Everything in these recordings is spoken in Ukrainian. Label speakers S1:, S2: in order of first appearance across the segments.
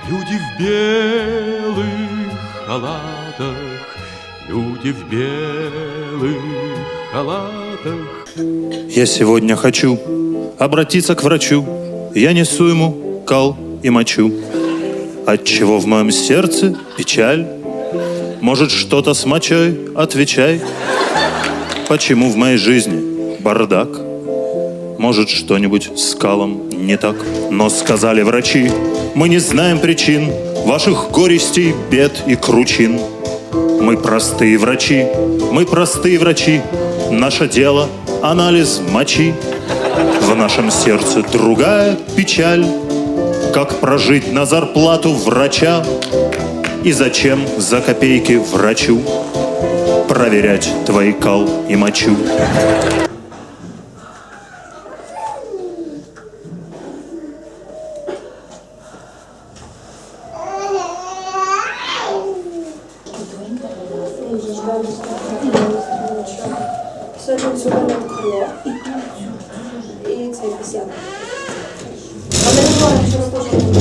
S1: Люди в белых халатах, люди в белых халатах.
S2: Я сегодня хочу обратиться к врачу. Я несу ему кал и мочу. Отчего в моем сердце печаль? Может, что-то с мочой? Отвечай. Почему в моей жизни бардак? Может, что-нибудь с калом не так? Но сказали врачи, мы не знаем причин ваших горестей, бед и кручин. Мы простые врачи, наше дело — анализ мочи. В нашем сердце другая печаль. Как прожить на зарплату врача? И зачем за копейки врачу проверять твои кал и мочу?
S3: Сьогодні сьогодні крило і цей пісяк. Але не говоримо, що раз теж буде.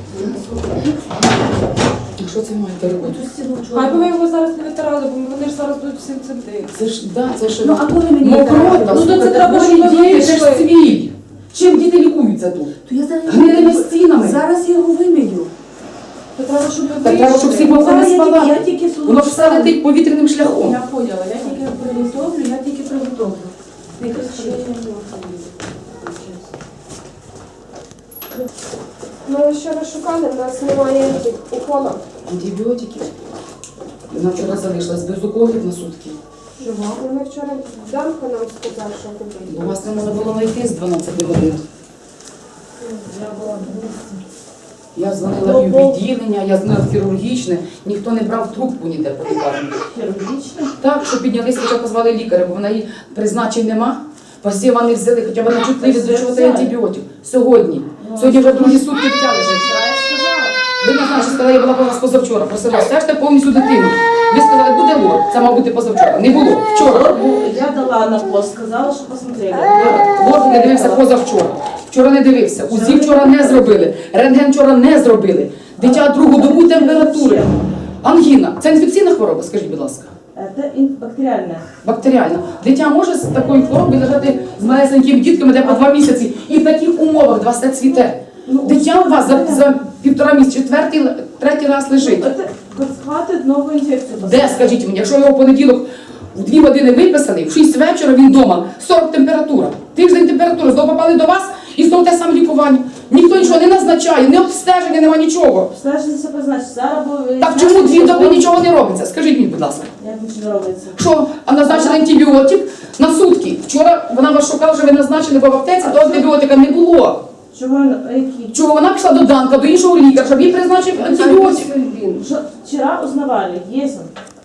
S4: Що це маєте робити?
S5: Хай би ви його зараз не витирали, бо вони ж зараз будуть всім цим дивитися.
S4: Це ж, да, це ж...
S3: Ну, а коли мені
S4: мокрота,
S5: Ну, то це треба, щоб ви
S4: діти, це ж
S5: вийшли.
S4: цвіль. Чим діти лікуються тут?
S3: То я зараз
S4: Гнилими стінами.
S3: Зараз я його вимію.
S5: То треба, щоб ви
S4: Так треба, щоб всі
S5: вийшли.
S4: були не
S3: Я
S4: спалати.
S3: тільки
S4: Воно ж все летить повітряним шляхом.
S5: Я поняла, я тільки приготовлю, я тільки приготовлю. Не кричи.
S3: Ми вчора шукали, в нас немає укола.
S4: Антибіотиків. Вона вчора залишилась без уколів на сутки.
S3: Ми вчора Данко нам сказав, що купити.
S4: Бо вас не можна було знайти з 12 годин. Я дзвонила в відділення, я дзвонила в хірургічне, ніхто не брав трубку ніде по лікарні.
S5: Хірургічно?
S4: Так, що піднялися, хоча позвали лікаря, бо в неї призначень нема. Посіва не взяли, хоча вона чутливі до чого це антибіотик. Сьогодні. Сьогодні вже другі сутки дитя лежить. Ви не знаєте, що сказала, я була у вас позавчора, просила, стежте повністю дитину. Ви сказали, буде лор, це мав бути позавчора. Не було, вчора.
S5: Я дала на пост, сказала, що посмотрели.
S4: Лор не дивився позавчора. Вчора не дивився. УЗІ вчора не зробили. Рентген вчора не зробили. Дитя другу добу температури. Ангіна. Це інфекційна хвороба, скажіть, будь ласка.
S5: Це бактеріальне.
S4: Бактеріальна. Дитя може з такою хворобою лежати з малесенькими дітками, де по 2 місяці, і в таких умовах два все цвіте. Дитя у вас за 1,5 місяця, третій раз лежить.
S5: Це схватить нову інфекцію.
S4: Де, скажіть мені, якщо його в понеділок в 2 години виписаний, в 6 вечора він вдома, 40 температура, тиждень температури, знову попали до вас і знову те саме лікування. Ніхто нічого не назначає, не обстеження, нема нічого.
S5: Обстеження себе значить, зараз буде...
S4: Так чому 2 доби нічого не робиться? Скажіть мені, будь ласка.
S5: Як нічого не робиться?
S4: Що, а назначили антибіотик на сутки? Вчора вона вас шукала, що ви назначили, бо в аптеці того антибіотика не було.
S5: Чого, які?
S4: Чого вона пішла до Данка, до іншого лікаря, щоб їй призначив антибіотик?
S5: Вчера узнавали, есть он.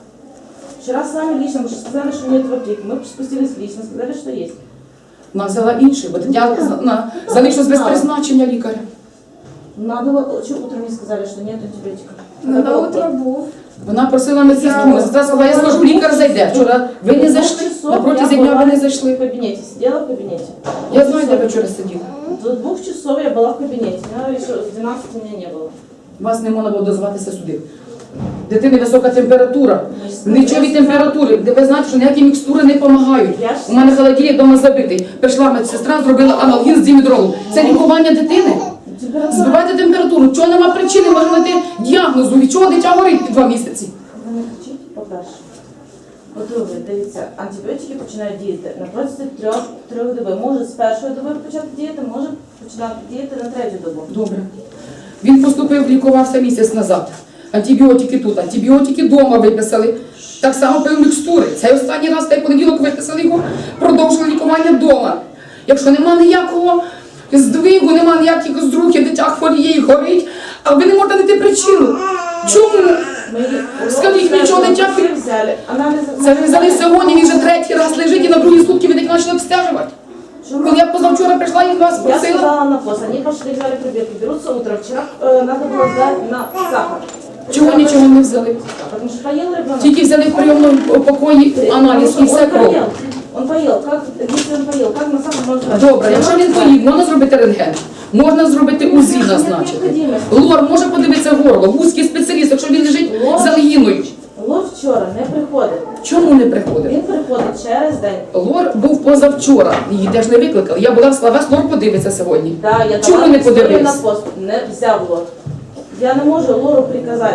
S5: Вчера сами лично, мы сказали, что нет в аптеке. Мы спустились лично, сказали, что есть.
S4: Вона взяла інший, бо дитя залишилось без призначення лікаря.
S5: Надо было, что утром не сказали, что нет антибиотика.
S3: На утро був.
S4: Вона просила медсестру, медсестра сказала, я скажу, лікар зайде. Вчора ви не зайшли, на протязі дня ви не
S5: В
S4: зайшли.
S5: кабинете, сидела в кабинете.
S4: Я знаю, де ви вчора сиділи.
S5: До 2 часов я была в кабинете, но еще в 12 меня не было.
S4: Вас не можна було дозватися сюди. Дитини висока температура, нічові температури. Ви знаєте, що ніякі мікстури не допомагають. У мене холодильник вдома забитий. Прийшла медсестра, зробила аналгін з дімедролом. Це лікування дитини. Збивайте температуру. Чого нема причини, можна знайти діагнозу, від чого дитя горить під 2 місяці.
S5: Ви не кричіть, по-перше. По-друге, дивіться, антибіотики починають діяти на протязі 3 доби. Може з першої доби почати діяти, може починати діяти на 3-ю добу.
S4: Добре. Він поступив, лікувався місяць назад. Антибіотики тут, антибіотики вдома виписали. Так само пив мікстури. Цей останній раз, той понеділок виписали його, продовжили лікування вдома. Якщо нема ніякого здвигу, нема ніяких зрухів, дитя хворіє і горить, а ви не можете знайти причину. Чому? Скажіть, нічого дитя...
S5: взяли.
S4: Це ви взяли сьогодні, він вже 3-й раз лежить і на 2-й сутки ви так почали обстежувати. Коли я позавчора прийшла і вас
S5: Я
S4: просила...
S5: сказала на пост, они пошли, взяли пробирки, берутся утром. Вчера надо было сдать на сахар.
S4: Чого нічого не взяли?
S5: Потому что поел ребенок.
S4: Тільки взяли в прийомному покої аналіз і все кров.
S5: Он поел, как, если он поел, как на сахар можно сдать?
S4: Добре, якщо він поїв, можна зробити рентген. Можна зробити УЗІ назначити. Лор може подивитися горло, вузький спеціаліст, якщо він лежить з ангіною.
S5: Лор вчора не приходить.
S4: Чому не приходить?
S5: Він приходить через день.
S4: Лор був позавчора, її теж не викликали. Я була в Славес, Лор подивиться сьогодні.
S5: Да, я
S4: Чому
S5: давала
S4: не
S5: історію на
S4: подивився?
S5: пост, не взяв лор. Я не можу лору приказати.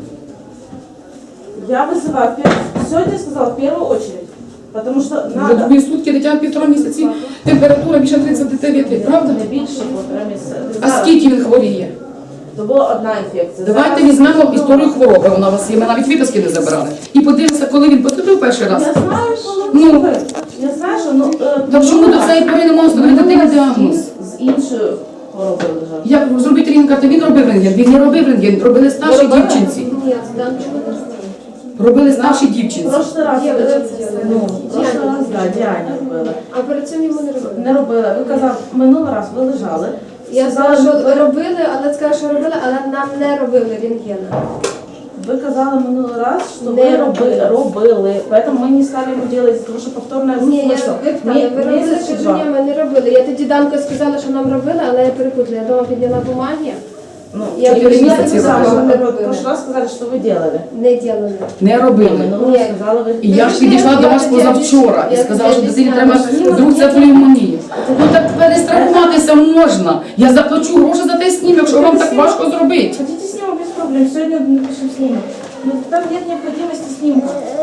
S5: Я вызываю, сегодня я сказала, в первую очередь. Потому что
S4: Вже
S5: надо.
S4: дві сутки дитя 1,5 місяці, температура більше 39, правда?
S5: Не більше 1,5 місяця.
S4: А скільки він хворіє?
S5: То була одна інфекція.
S4: Давайте
S5: Зараз-
S4: візьмемо історію хвороби, вона у вас є, ми навіть виписки не забирали. І подивимося, коли він потрапив перший раз.
S5: Я знаю, що
S4: Ну.
S5: ну, я знаю, що
S4: Так що ми до цієї пори не можемо встановити дитині діагноз.
S5: з іншою хворобою лежав.
S4: Як зробити рентген? Карти? Він робив рентген, він не робив рентген, робили старші
S5: робили?
S4: дівчинці.
S3: Ні, там чого не знаю.
S4: Робили старші дівчинці.
S5: Прошлий раз,
S3: Є,
S5: ну, прошлий раз, да, Діані робила.
S3: А перед цим йому не робили.
S5: Не робила. Ви казав, минулий раз ви лежали.
S3: Я знала, що робили, але сказала, що робили, але нам не робили рентгена.
S5: Вы сказали минулый раз, что
S3: Не
S5: вы робили, поэтому мы не стали ему делать, потому что повторное
S3: Ні, я
S5: смысл.
S3: ви робили,
S5: Месяц
S3: що
S5: чи два.
S3: ні, ми не робили. Я тоді Данко сказала, що нам робили, але я перепутала. Я дома підняла бумаги,
S5: Ну,
S3: Я
S4: 4
S3: пришла
S4: місяці
S3: і сказала,
S4: робили.
S3: що не
S5: в
S3: робили.
S5: прошлый раз сказали, что вы делали.
S3: Не ділили.
S4: Не робили.
S5: Минулый раз сказали, вы...
S4: І я ж підійшла до вас позавчора і сказала, що дитині треба вдруг це пневмонія. Ну так перестрахуватися можна. Я заплачу гроші за той снімок, якщо вам так важко зробити.
S5: Хотите снимок без проблем, сегодня напишем снимок. Но там нет необходимости снимка.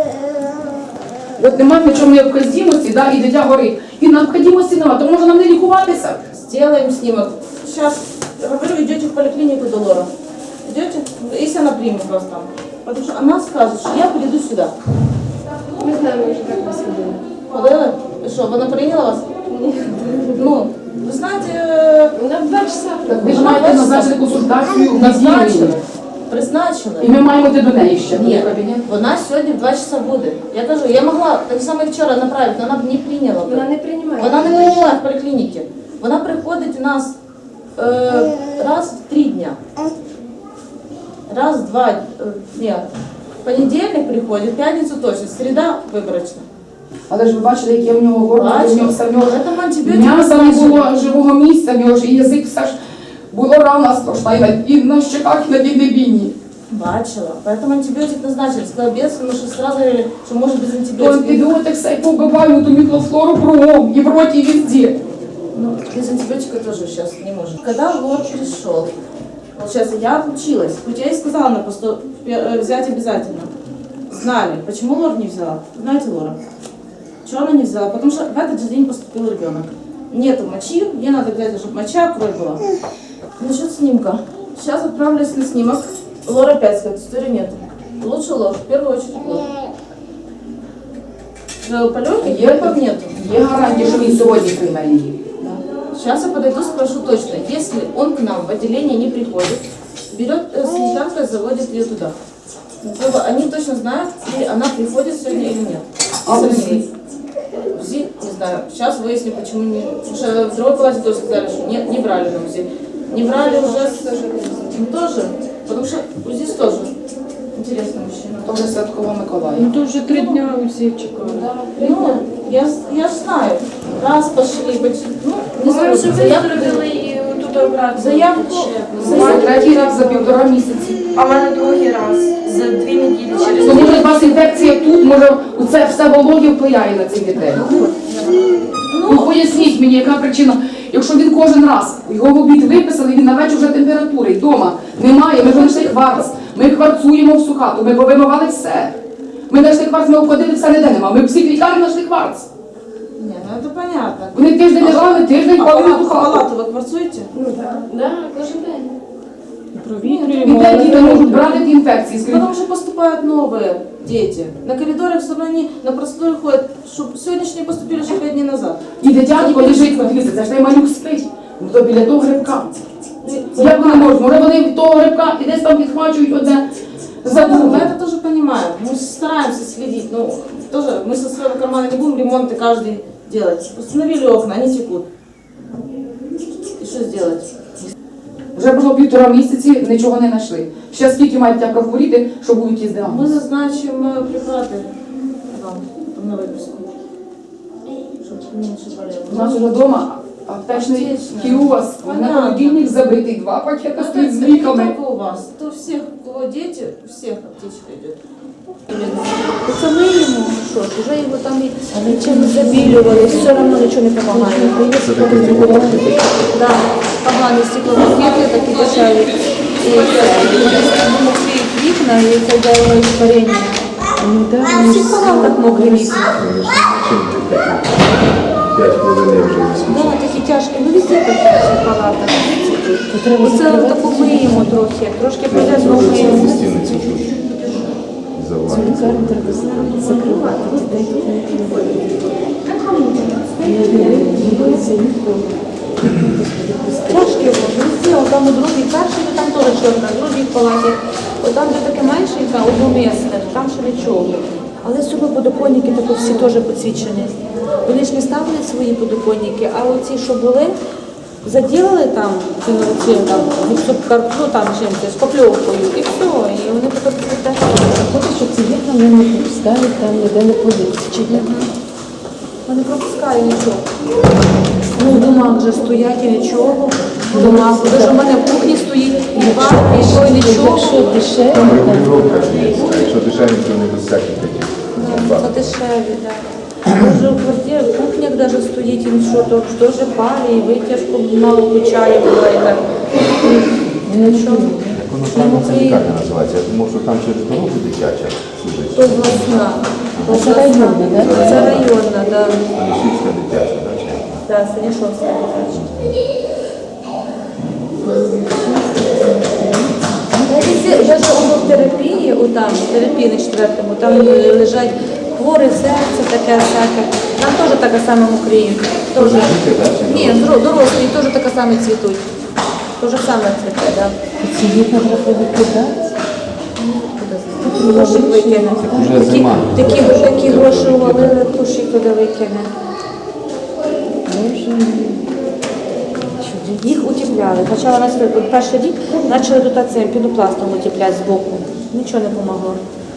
S4: От немає в чому необхідності, да, і дитя горить. І необхідності немає, то може нам не лікуватися.
S5: Сделаем снимок. Сейчас, говорю, идете в поликлинику до Лора. Идете? Если она примет вас там. Потому что она скажет, что я приду сюда.
S3: Ми знаємо, що так не сходили.
S5: Ходила? И что, она приняла вас? Ну, вы знаете,
S3: Вона 2 часа.
S4: Так ви ж маєте назначити консультацію в
S5: назначила.
S4: відділенні.
S5: Призначила.
S4: І ми маємо йти до неї ще.
S5: Ні,
S4: в кабінет.
S5: вона сьогодні в 2 часа буде. Я кажу, я могла так само і вчора направити, але вона б не прийняла. б.
S3: Вона не приймає.
S5: Вона не прийняла в поліклініці. Вона приходить у нас раз в 3 дня. Раз, два, нет. В понедельник приходит, в п'ятницю точно, середа виборочна.
S4: Але ж ви бачили, яке в нього горло,
S5: Бачила.
S4: в нього все в нього
S5: Поэтому антибіотики
S4: м'яса не
S5: назначили.
S4: було, живого місця, в нього ж і язик все ж було рана страшна, і на щеках, і на віднебінні.
S5: Бачила. Поэтому антибиотик назначили. Сказала без, потому что сразу говорили, что может без
S4: То
S5: антибиотика.
S4: антибіотик все й повбиваємо, ту міклофлору кругом, і в роті, і везде.
S5: Ну, без антибиотика тоже сейчас не можем. Когда Лор пришел, вот сейчас я училась, хоть я и сказала на посту взять обязательно. Знали. Почему Лор не взяла? Знаете Лора? Чего она не взяла? Потому что в этот же день поступил ребенок. Нету мочи, ей надо взять, чтобы моча, кровь была. Насчет снимка. Сейчас отправлюсь на снимок. Лор опять сказать, истории нету. Лучше Лор, в первую очередь Лор. В полете гриппов нету.
S4: Є гарантія, що він сьогодні прийме її.
S5: Сейчас я подойду, спрошу точно. Если он к нам в отделение не приходит, берет санитарка, заводит ее туда. Чтобы они точно знают, или она приходит сегодня или нет.
S4: А
S5: Если
S4: УЗИ?
S5: нет. УЗИ, не знаю. Сейчас выясним, почему не... Потому что в другой палате тоже сказали, что не брали на УЗИ. Не брали уже тоже, потому что УЗИ тоже интересный мужчина.
S4: То вже Святкова Миколаїв.
S6: Ну то вже 3 дня усі чекали.
S5: Ну, я ж знаю. Раз пошли, ну, не знаю,
S6: Ми вже
S5: заявку,
S6: виставили і тут обратно.
S5: заявку,
S4: Це третій раз за 1,5 місяці.
S6: А в мене другий раз за 2 неділі через
S4: То може у вас інфекція тут, може це все вологі впливає на цих дітей. Ну поясніть мені, яка причина. Якщо він кожен раз його в обід виписали, він на вечір вже температури, вдома немає, ми знайшли кварц, ми кварцуємо всю хату, ми повимивали все. Ми знайшли кварц, ми обходили, все ніде нема. Ми всі лікарні знайшли кварц.
S5: Не, ну это понятно.
S4: Вони тиждень лежали, тиждень палили ту хату.
S5: Палату вы кварцуете?
S3: Да, кожен день.
S4: І де діти можуть брати ті інфекції? Скажіть,
S5: Потому что поступают новые дети. На коридорах все равно они на процедуры ходят, чтобы сегодняшние поступили еще 5 дней назад.
S4: і дитятко лежить, подивіться, це ж той малюк спить. Ну то біля того грибка. Як вони можуть? Може вони від того грибка і десь там підхвачують одне за
S5: Мы
S4: друге.
S5: это тоже понимаем. Мы стараемся следить. Ну, тоже мы со своего кармана не будем ремонты каждый делать. Установили окна, они текут. И что сделать?
S4: Вже було 1,5 місяці, нічого не знайшли. Ще скільки мають тя прохворіти, що будуть із
S5: Мы
S4: діагноз?
S5: назначим препараты вам на выписку. Чтобы меньше болело.
S4: У нас вже вдома Аптечний
S5: Аптечна.
S4: кіоск, на
S5: Понятно.
S4: холодильник забитий, 2 пакети стоїть з
S5: Не
S4: ліками.
S5: только у вас. То всех, у кого дети, всех аптечка идет. Це ми йому, що ж, вже його там і чим забілювали, все одно нічого не допомагає. Да, погані стеклопакети, такі дешеві. І мокріють вікна, і це дає варення. В всіх палатах мокрі вікна.
S7: 5 хвилин я вже візьму.
S5: Да, такі тяжкі, ну везде такі в всіх палатах. Оце таку миємо трохи, трошки прийде знову миємо.
S7: Стіни ці тут завалені.
S5: Тяжкі везде, там у другій, перший, там теж чорна, в другій палаті. Там, де таке меншенька, одномісне, там ще нічого. Але сюди подоконники такі всі теж підсвічені. Вони ж не ставили свої подоконники, а оці, що були, заділили там, цим там, ну там чимось, шпакльовкою, і все, і вони тепер цвітуть.
S8: Хоче, щоб ці вікна не пропускали, там ніде не політичі.
S5: Вони не пропускають нічого. Ну, в домах вже стоять і нічого. В домах. Даже в мене в кухні стоїть і бар, і що, і нічого.
S8: Якщо дешеві,
S7: Там регулювання ж є. А якщо дешеві, то не без всяких таких.
S5: Це дешеві, так. Може в квартирі, в кухнях навіть стоїть і нічого, то теж парі, і витяжку мало включає, буває. І нічого.
S7: Як воно правильно це лікарня називається? Я думав, що там через дорогу дитяча сюди.
S5: То обласна.
S8: це районна, так?
S5: Це районна, так.
S7: Станішівська дитяча, так?
S5: Так, Станішовська дитяча. Навіть в терапії, отам, в терапії на 4-му, там лежать хворі, серце таке всяке. Там теж таке саме мокріють. Ні, дорослі теж таке саме цвітуть. Те ж саме цвіте, так.
S8: ці вікна треба викидати.
S5: Гроші викине.
S7: Вже зима.
S5: Такі гроші увалили, куші туди викине. Їх утепляли. Хоча у нас перший рік почали тут цим пінопластом утепляти збоку. Нічого не допомогло.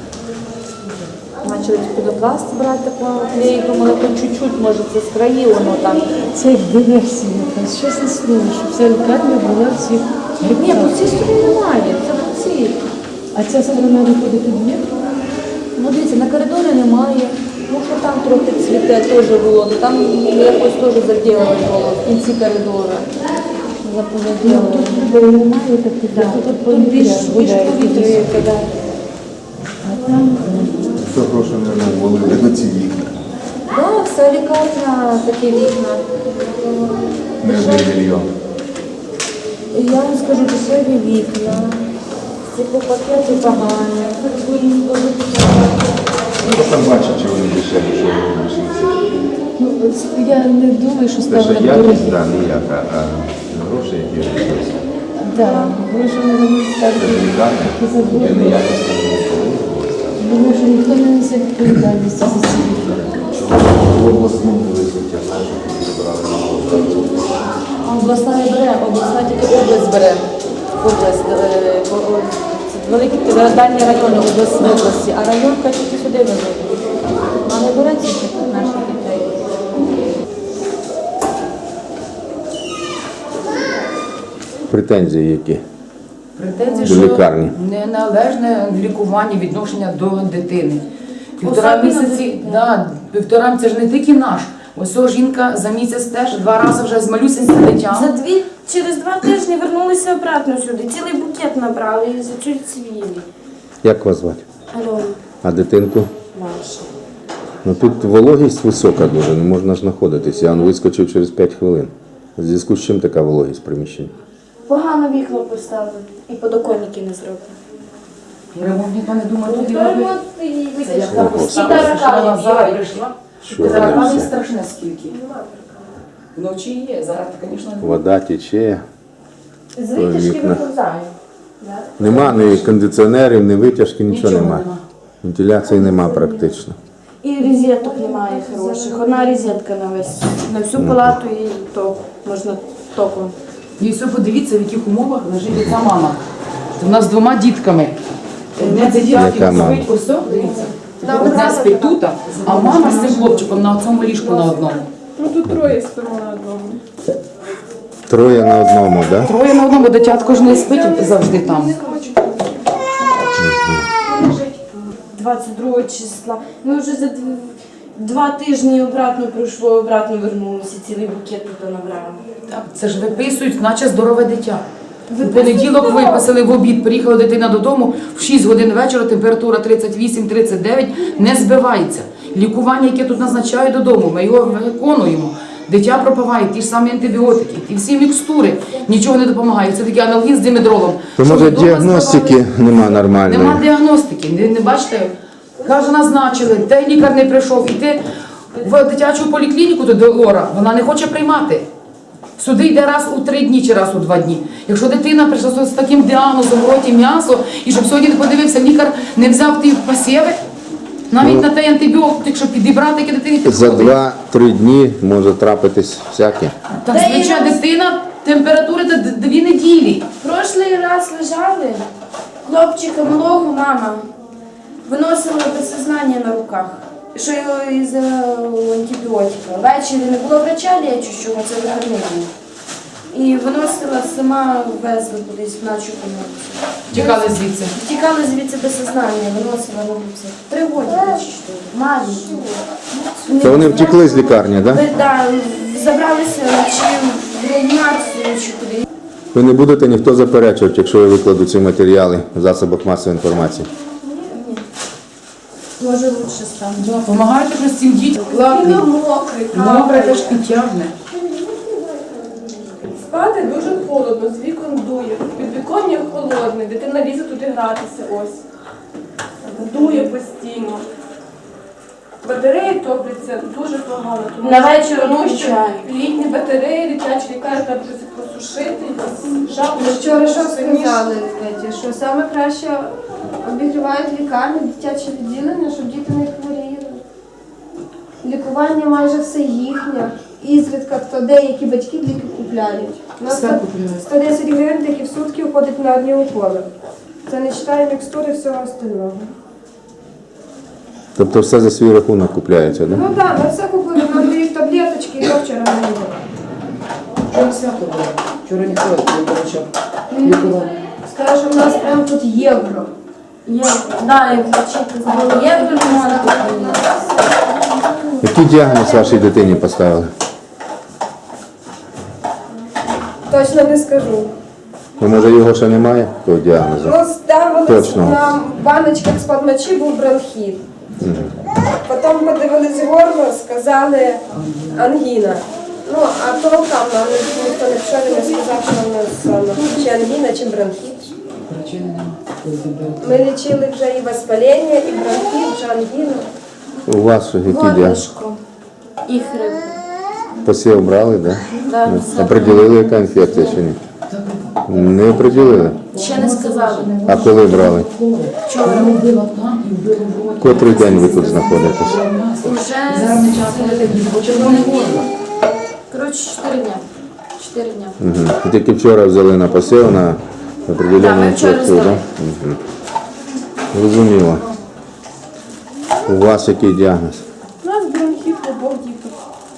S5: Почали пінопласт брати такого, я їх думала, хоч чуть-чуть, може, це з краї воно там.
S8: Це як диверсія якась. Чесне слово, щоб вся лікарня була всіх.
S5: Ні, по цій стороні немає, це по цій.
S8: А ця сторона виходить у двір?
S5: Ну, дивіться, на коридорі немає. Ну, що там трохи цвіте теж було. Ну, там якось теж заділили було в кінці коридору. Заповідали.
S8: Тут немає таких,
S5: Да. Тут більш повітрюється, так.
S8: А там
S7: Що гроші не ввалили на ці вікна?
S5: Так, вся лікарня, такі вікна.
S7: Не 1 мільйон.
S5: І я вам скажу, дешеві вікна. Стеклопакети погані.
S7: Хто там бачить, чи вони дешеві, що вони обійшлися?
S8: ну, я не думаю, що
S7: Те, що
S8: ставили
S7: якість,
S8: дорогі.
S7: так, ніяка, а гроші, які обійшлися.
S8: Так, гроші не можуть
S7: Це
S8: ставити.
S7: ж лікарня, де неякість не було.
S8: Думаю, що ніхто не несе відповідальності за ці вікна.
S7: В обласному висоті, а знаєш, як забрали на область.
S5: А обласна не бере, обласна тільки область бере. Область, це великі дальні райони області, а районка тільки сюди везуть. А не бере тільки наших дітей.
S7: Претензії які?
S4: Претензії,
S7: До
S4: що
S7: лікарні.
S4: неналежне лікування, відношення до дитини. Півтора
S5: Особливо
S4: місяці,
S5: дитини.
S4: да, півтора, це ж не тільки наш. Ось ця жінка за місяць теж 2 рази вже з малюсеньким дитям.
S6: Через 2 тижні вернулися обратно сюди. Цілий букет набрали і за чуть цвілі.
S7: Як вас звати?
S6: Альона.
S7: А дитинку?
S6: Маша.
S7: Ну тут вологість висока дуже, не можна ж знаходитися. Я вискочив через 5 хвилин. В зв'язку з чим така вологість в приміщенні?
S6: Погано вікна поставили і подоконники не зробили.
S4: Ремонт ніхто не думає туди
S6: То
S4: робити.
S6: ремонт і
S4: Це як
S6: витяжка.
S4: так
S6: І
S4: поставилося, що вона
S6: таракани
S4: зараз
S6: бігають.
S4: прийшла.
S7: Що вони
S4: Таракани
S7: всі?
S4: страшне скільки. Вночі є, зараз, звісно, не
S7: Вода тече.
S6: З витяжки
S7: вікна.
S6: виповзають.
S7: Нема ні кондиціонерів, ні витяжки, нічого
S4: Нічого
S7: немає.
S4: нема.
S7: Вентиляції нема практично.
S6: І розеток немає хороших. Одна розетка на всю палату і то можна током.
S4: І все, подивіться, в яких умовах лежить ця мама. У нас з 2 дітками. Одне
S7: Яка
S4: дитятко
S7: мама?
S4: спить ось, дивіться. Одне спить тут, а мама з цим хлопчиком на цьому ліжку на одному.
S6: Ну тут троє спимо на одному.
S7: Троє на одному, так? Да?
S4: Троє на одному, дитятко ж не спить завжди там.
S6: 22 числа. Ми вже за 2 тижні обратно пройшло, обратно вернулися, цілий букет тут набрали.
S4: Так, це ж виписують, наче здорове дитя. У понеділок виписали в обід, приїхала дитина додому, в 6 годин вечора температура 38-39, не збивається. Лікування, яке тут назначають додому, ми його виконуємо. Дитя пропиває ті ж самі антибіотики, ті всі мікстури, нічого не допомагає. Це такий аналгін з димедролом.
S7: То
S4: Щоб
S7: може
S4: вдома
S7: діагностики нема нормальної?
S4: Нема діагностики, не бачите? Каже, назначили, той лікар не прийшов, іти в дитячу поліклініку до Лора, вона не хоче приймати. Сюди йде раз у 3 дні чи раз у 2 дні. Якщо дитина прийшла з таким діагнозом, в роті м'ясо, і щоб сьогодні не подивився, лікар не взяв ті посіви, навіть на той антибіотик, щоб підібрати, яке дитині
S7: За
S4: підходить.
S7: 2-3 дні може трапитись всяке.
S4: Так, звичайно, дитина, температура до 2 неділі.
S6: Прошлий раз лежали, хлопчика малого мама виносила без сознання на руках. Що його із антибіотика. Ввечері не було врача лічущого, це вихідний був. І виносила сама, везли кудись в начу помилку.
S4: Тікали звідси.
S6: Втікали звідси без сознання, виносила на вулиці. 3 роки чи 4. Маленькі.
S7: То вони втекли з лікарні, так? Да?
S6: Да, забралися чи в реанімацію, чи куди.
S7: Ви не будете ніхто заперечувати, якщо я викладу ці матеріали в засобах масової інформації.
S6: Може лучше стане.
S4: Допомагають вже цим дітям. Платний. Мокре теж підтягне.
S3: Спати дуже холодно, з вікон дує. Підвіконня холодне, дитина лізе туди гратися ось. Дує постійно. Батареї топляться дуже погано.
S6: На вечір
S3: тому що
S6: включають.
S3: літні батареї, дитячі лікарні треба щось просушити, якось жарко.
S9: Вчора що сказали, Петя, що саме краще обігрівають лікарні, дитяче відділення, щоб діти не хворіли. Лікування майже все їхнє. Ізрідка, то деякі батьки ліки купляють. У нас
S4: Все
S9: тут
S4: купляють.
S9: 110 гривень, які в сутки входять на одні уколи. Це не вважає мікстури всього остального.
S7: Тобто все за свій рахунок купляється, так? Да?
S9: Ну так, ми все купили, нам дають таблеточки, і я вчора не було.
S4: Вчора свято було. Вчора ніхто не получав лікування.
S9: Скажу, що в нас прямо тут євро.
S6: Да, як вчити знали. Є можна.
S7: Який діагноз вашій дитині поставили?
S9: Точно не скажу.
S7: Ну, може його ще немає, того діагнозу?
S9: Ну, ставили
S7: Точно.
S9: на баночках з-під мочі був бронхіт. Потім подивились горло, сказали ангіна. Ну, а толком нам ніхто не пішов і не сказав, що в нас чи ангіна, чи бронхіт.
S4: Причини немає.
S9: Ми лічили вже і воспалення, і бронхіт, і ангіну.
S7: У вас який діагноз?
S6: Горлышко. І хрип.
S7: Посів брали, так?
S6: Да,
S7: Да?
S6: все.
S7: Оприділили, яка інфекція чи ні? Не оприділили.
S6: Ще не сказали.
S7: А коли брали?
S4: Вчора робила там і вбила в роті.
S7: Котрий день ви тут знаходитесь?
S6: Уже
S4: Зараз не час ходити, бо червоне горло.
S6: коротше 4 дня. 4 дня.
S7: Угу. Тільки вчора взяли на посів на
S6: Да,
S7: определену
S6: ми вчора
S7: інфекцію,
S6: здали.
S7: так? Угу. Зрозуміло. У вас який діагноз?
S3: У нас бронхіт у обох діток.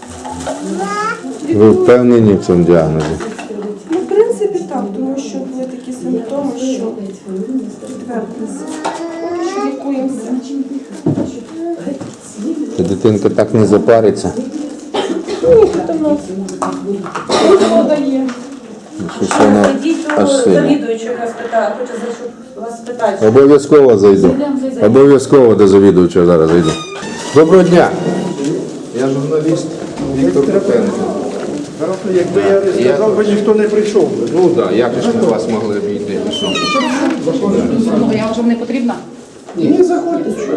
S7: Ви впевнені в цьому діагнозі?
S3: Ну, в принципі, так, тому що є такі симптоми, що підтвердилися. Поки що лікуємося.
S7: Та дитинка так не запариться.
S3: Ні, хто в нас вода є.
S7: Щось вона
S5: Ідіть
S7: аж
S5: до
S7: сильно.
S5: завідуючого, яка спитає, хоче вас спитати.
S7: Обов'язково зайду. Обов'язково до завідувача зараз зайду. Доброго дня. Я журналіст Віктор Петенко.
S10: Якби я не сказав, би ніхто не прийшов би.
S7: Ну так, як ж ми вас могли обійти?
S4: Ну, я вже не потрібна.
S10: Ні, заходьте, що.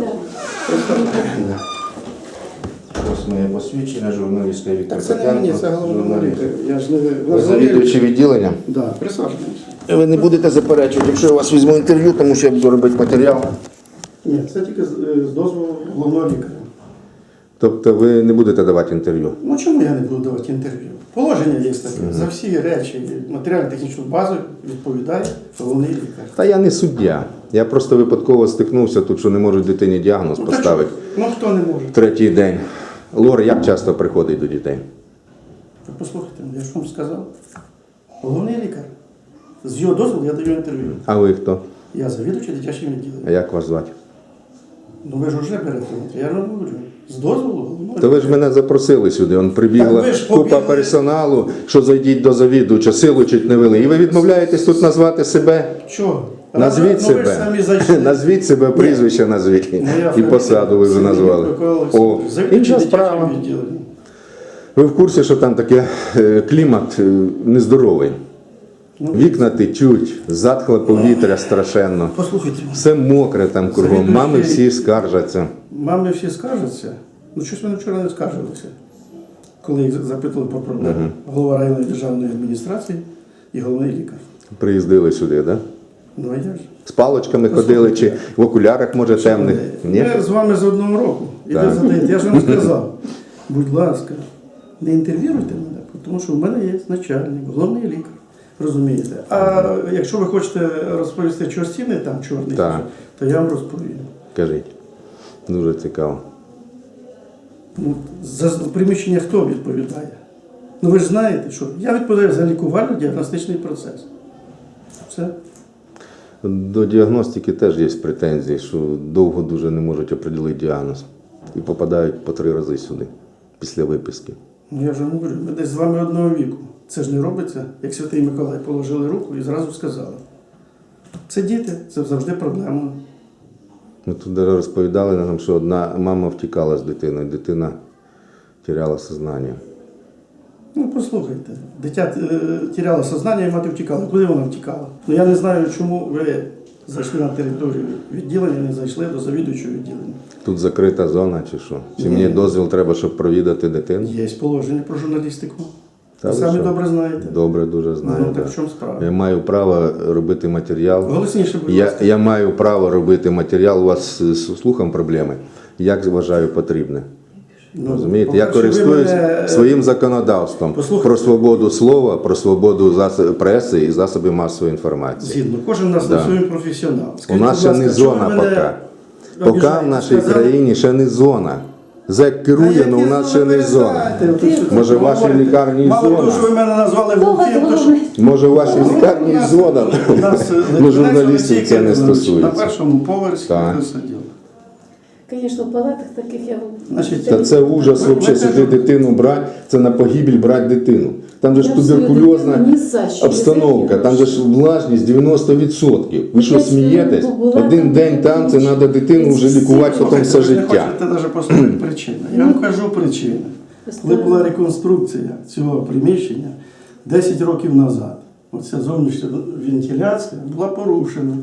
S7: Ось моє посвідчення, журналістка Віктор
S10: Так це не мені, це
S7: Петенко.
S10: головне.
S7: Журналіст.
S10: Я ж не
S7: Ви завідувачі відділення?
S10: Да, присаджуйтесь.
S7: Ви не будете заперечувати, якщо я у вас візьму інтерв'ю, тому що я буду робити матеріал.
S10: Ні, це тільки з дозволу головного лікаря.
S7: Тобто ви не будете давати інтерв'ю?
S10: Ну чому я не буду давати інтерв'ю? Положення є таке. За всі речі, матеріально-технічну базу відповідає головний лікар.
S7: Та я не суддя. Я просто випадково стикнувся тут, що не можуть дитині діагноз
S10: Ну, так
S7: поставити.
S10: що? Ну хто не може?
S7: Третій день. Лор як часто приходить до дітей?
S10: Так послухайте, я ж вам сказав. Головний лікар. З його дозволу я даю інтерв'ю.
S7: А ви хто?
S10: Я завідувачий дитячим відділенням.
S7: А як вас звати?
S10: Ну ви ж вже берете. Я ж вам говорю. З дозволу головного.
S7: То ви ж мене запросили сюди, он прибігла
S10: Так ви ж
S7: купа
S10: побігли.
S7: персоналу, що зайдіть до завідувача, силу чуть не вели. І ви відмовляєтесь тут назвати себе?
S10: Чого?
S7: Назвіть
S10: Ви ж
S7: себе.
S10: самі зайшли.
S7: Назвіть себе, прізвище назвіть.
S10: Моя
S7: І посаду ви вже
S10: фамілія
S7: назвали.
S10: Микола
S7: О,
S10: Олександрович. Завідувачий
S7: інша
S10: дитячим
S7: справа.
S10: відділенням.
S7: Ви в курсі, що там таке клімат нездоровий?
S10: Ну,
S7: Вікна течуть, затхле повітря страшенно.
S10: Послухайте,
S7: Все мокре там кругом.
S10: Завідуючий-
S7: Мами всі скаржаться.
S10: мами всі скаржаться. Ну щось вони вчора не скаржилися, коли їх запитували про проблему. Голова районної державної адміністрації і головний лікар.
S7: Приїздили сюди, так? Да?
S10: Ну а я ж.
S7: З палочками ходили, чи в окулярах, може, темних? Ні?
S10: Ми з вами з одного року. І
S7: Так.
S10: ви задаєте. Я ж вам сказав, будь ласка, не інтерв'юйте мене, тому що в мене є начальник, головний лікар. Розумієте? А якщо ви хочете розповісти, що стіни там чорні,
S7: Так.
S10: то я вам розповім.
S7: Кажіть. Дуже цікаво.
S10: Ну, за приміщення хто відповідає? Ну ви ж знаєте, що я відповідаю за лікувально-діагностичний процес. Все.
S7: До діагностики теж є претензії, що довго дуже не можуть определити діагноз. І попадають по 3 рази сюди, після виписки.
S10: Ну я вже говорю, ми десь з вами одного віку. Це ж не робиться, як Святий Миколай положили руку і зразу сказали. Це діти, це завжди проблема.
S7: Ми тут даже розповідали нам, що одна мама втікала з дитиною, дитина теряла сознання.
S10: Ну послухайте, дитя тіряло сознання і мати втікала. Куди вона втікала? Ну я не знаю, чому ви зайшли на територію відділення, не зайшли до завідуючого відділення.
S7: Тут закрита зона чи що? Чи мені дозвіл треба, щоб провідати дитину?
S10: Є положення про журналістику.
S7: Та
S10: Ви
S7: ви
S10: самі
S7: що?
S10: добре знаєте.
S7: Добре, дуже знаю.
S10: Ну, так
S7: да.
S10: в чому справа?
S7: Я маю право робити матеріал.
S10: Голосніше, будь ласка.
S7: Я маю право робити матеріал. У вас з слухом проблеми. Як вважаю потрібне.
S10: Ну,
S7: Розумієте? Я
S10: по-перше, ви
S7: користуюсь
S10: мене,
S7: своїм законодавством
S10: послухайте.
S7: про свободу слова, про свободу преси і засобів масової інформації.
S10: Згідно, кожен у нас
S7: Да.
S10: на своїм професіонал.
S7: У
S10: Скажіть,
S7: нас
S10: будь
S7: ще
S10: ласка,
S7: не
S10: що ви
S7: зона
S10: мене
S7: поки. Поки в
S10: обіжаєте?
S7: нашій
S10: Сказали-
S7: країні ще не зона. ЗЕК керує, але у нас ще не зона. Може, в вашій лікарні
S10: Мало того,
S7: зона?
S10: що ви мене назвали глухим, то що...
S7: Може, в вашій лікарні зона?
S10: У нас
S7: Ну, журналістів це не
S10: на
S7: стосується.
S10: першому поверсі
S7: Так.
S10: ми сиділи.
S8: Звісно, в палатах таких я
S10: Значить,
S7: Та це ужас взагалі, сюди дитину брати, це на погибель брати дитину. Там же ж
S8: Я свою
S7: туберкульозна
S8: дитину ні за що не
S7: обстановка,
S8: закину.
S7: там же ж влажність 90%. Ви що
S8: Я
S7: смієтесь?
S8: була
S7: Один
S8: там,
S7: день там, це треба дитину вже лікувати потім все
S10: ви не
S7: життя.
S10: хочете навіть послухати причину. Я вам кажу причину. Коли була реконструкція цього приміщення 10 років назад, оця зовнішня вентиляція була порушена.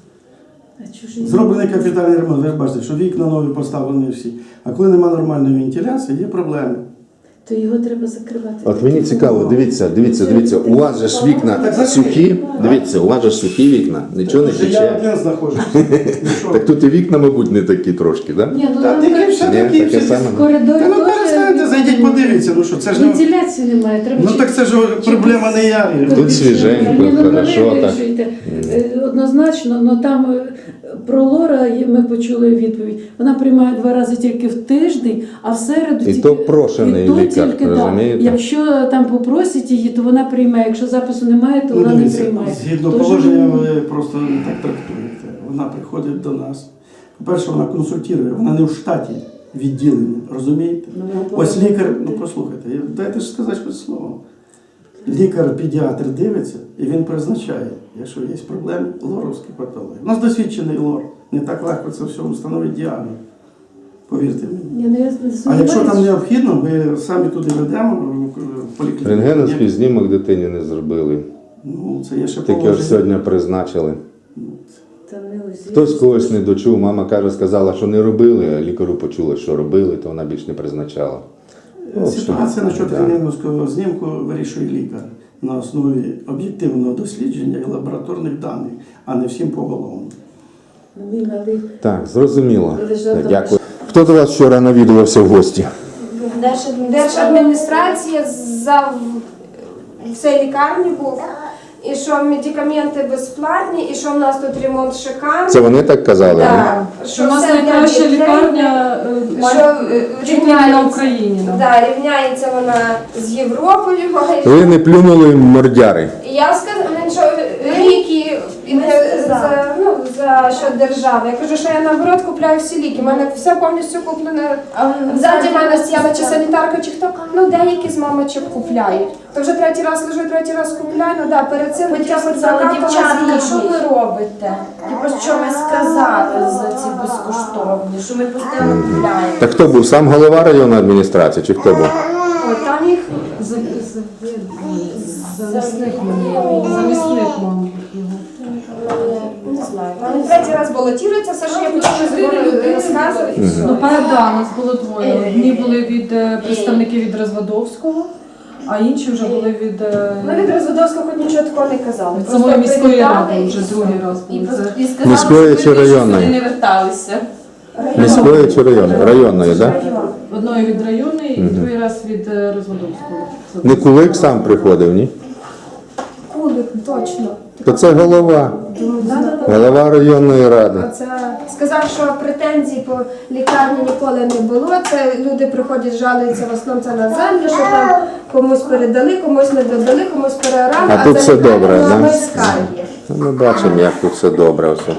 S10: Зроблений капітальний ремонт. Ви ж бачите, що вікна нові поставлені всі. А коли немає нормальної вентиляції, є проблеми.
S8: То його треба закривати.
S7: От мені цікаво, дивіться, у вас же ж вікна сухі, дивіться, у вас же ж сухі вікна, нічого не
S10: Я
S7: тече.
S10: один знаходжуся. Ну, що?
S7: Так тут і вікна, мабуть, не такі трошки, так?
S8: Ні, ну
S10: Та
S8: там
S10: такі все
S7: Ні,
S10: такі,
S7: таке
S10: всі.
S7: саме.
S8: в коридорі
S10: Та ну перестаньте, зайдіть, подивіться, ну що, це ж не...
S8: вентиляції немає. Треба
S10: Ну так це ж проблема не я.
S7: Тут свіженько,
S8: Ні, ну,
S7: хорошо,
S8: ви
S7: так.
S8: вирішуєте. Однозначно, але там про Лора ми почули відповідь. Вона приймає 2 рази тільки в тиждень, а в середу
S7: І
S8: тільки...
S7: то прошений
S8: і то
S7: лікар,
S8: тільки, да.
S7: розумієте?
S8: Якщо там попросять її, то вона приймає. Якщо запису немає, то
S10: Ну,
S8: вона не
S10: дивіться,
S8: приймає.
S10: згідно
S8: Тож,
S10: положення, ви просто не так трактуєте. Вона приходить до нас. По-перше, вона консультує, вона не в штаті відділення, розумієте?
S8: Ну, вона
S10: Ось
S8: повинна
S10: лікар,
S8: бути.
S10: ну послухайте, дайте ж сказати хоч слово. Лікар-педіатр дивиться і він призначає, якщо є проблеми, лоровські патології. У нас досвідчений лор. Не так легко це все встановити діагноз. Повірте мені.
S8: Ні, ну, я не
S10: А якщо там
S8: сумніваюся.
S10: необхідно, ми самі туди ведемо в поліклініку.
S7: Рентгеновський знімок дитині не зробили.
S10: Ну, це є ще
S7: Тільки ось
S10: положення.
S7: сьогодні призначили.
S8: Та не ось
S7: Хтось когось не дочув, мама каже, сказала, що не робили, а лікарю почули, що робили, то вона більш не призначала.
S10: Ситуація на
S7: Да.
S10: рентгеновського знімку вирішує лікар на основі об'єктивного дослідження і лабораторних даних, а не всім поголовно.
S8: Ну, мій малий
S7: Так, зрозуміло.
S8: лежав там.
S7: Дякую. Хто до вас вчора навідувався в гості?
S9: Держадміністрація в цій лікарні був. і що медикаменти безплатні, і що в нас тут ремонт шикарний.
S7: Це вони так казали?
S9: Да.
S8: Що у нас
S9: все для
S8: найкраща
S9: дітей.
S8: лікарня
S9: Що
S8: чуть ли не на Україні. Да.
S9: Да, рівняється вона з Європою.
S7: Ви не плюнули мордяри.
S9: І я сказала, що ліки за що держави. Я кажу, що я наоборот купляю всі ліки. У мене все повністю куплено. Ззаді мене стояла чи санітарка, чи хто. Ну, деякі з мамочок купляють. То вже третій раз лежу, третій раз купляю. Ну да, перед цим
S6: Потім
S9: хоча б
S6: сказали, дівчатка, що
S9: ви
S6: ви робите? Типу, що ми сказали за ці безкоштовні, що ми постійно купляємо.
S7: Так хто був? Сам голова районної адміністрації чи хто був?
S9: Ой, там їх
S8: Замісник, мабуть.
S9: не знаю. Вони третій раз балотуються, все, що я почала розказувати, і все.
S8: Ну, да, нас було двоє. Одні були від представників від Розвадовського, а інші вже були від
S9: Ми від Розводовського хоч нічого такого не казали.
S8: від самої міської ради, вже другий раз були. Це
S7: Міської чи районної?
S6: Вони не верталися.
S7: Міської чи районної? Районної, так?
S8: одної від районної і другий раз від Розвадовського.
S7: Не Кулик сам приходив, ні?
S9: Кулик, точно.
S7: То це голова. Голова районної ради.
S9: Це сказав, що претензій по лікарні ніколи не було. Це люди приходять, жалуються в основному це на землю, що там комусь передали, комусь не додали, комусь переорали,
S7: А тут
S9: це
S7: все
S9: лікарня
S7: добре,
S9: була
S7: да?
S9: без скарги.
S7: Ми бачимо, як тут все добре. Все.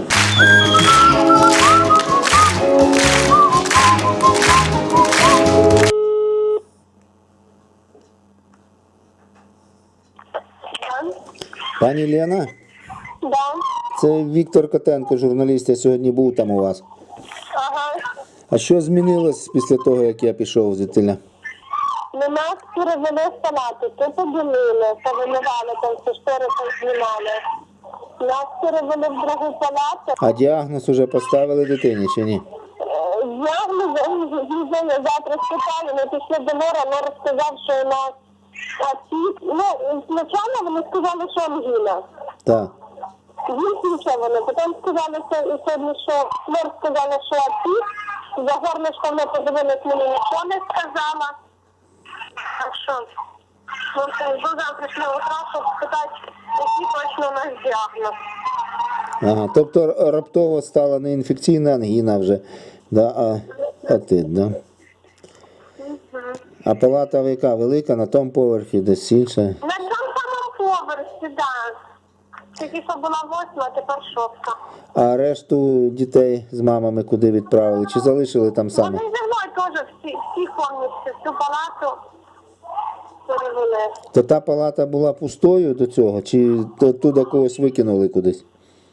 S7: Пані Лена?
S11: Да.
S7: Це Віктор Котенко, журналіст, я сьогодні був там у вас.
S11: Ага.
S7: А що змінилось після того, як я пішов звідтиля?
S11: Ну, нас перевели в палату, то поділили, повимивали, там все штори познімали. Нас перевели в другу палату.
S7: А діагноз уже поставили дитині чи ні?
S11: Я завтра спитали, ми пішли до Лора, Лора сказав, що у нас отік. Ну, спочатку вони сказали, що ангіна.
S7: Так.
S11: Він нічого не. Потім сказали, що Лор сказала, що отік. За горлышком ми подивились, мені нічого не сказала. Так що, до завтрашнього утра, щоб спитати, який точно у нас діагноз.
S7: Ага, тобто раптово стала не інфекційна ангіна вже, да, а отит, да? А палата яка велика, на тому поверхі, десь інша?
S11: На цьому самому поверсі, так. Тільки що була 8, а тепер 6.
S7: А решту дітей з мамами куди відправили? Чи залишили там саме?
S11: Вони зі мною теж всі повністю, всю палату перевели.
S7: То та палата була пустою до цього, чи туди когось викинули кудись?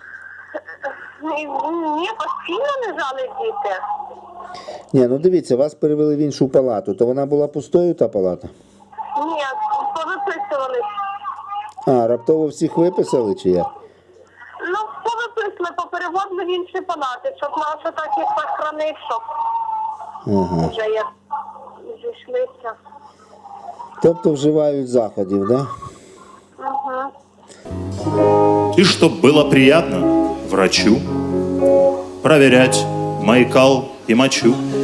S11: Ні, постійно лежали діти.
S7: Ні, ну дивіться, вас перевели в іншу палату, то вона була пустою, та палата?
S11: Ні, повиписувались.
S7: А, раптово всіх виписали, чи як?
S11: Ну, повиписали, попереводили в інші палати, щоб нас отак їх похоронив, щоб
S7: Ага.
S11: вже як зійшлися.
S7: Тобто вживають заходів, да?
S11: Угу.
S2: И чтоб было приятно врачу проверять мои кал и мочу.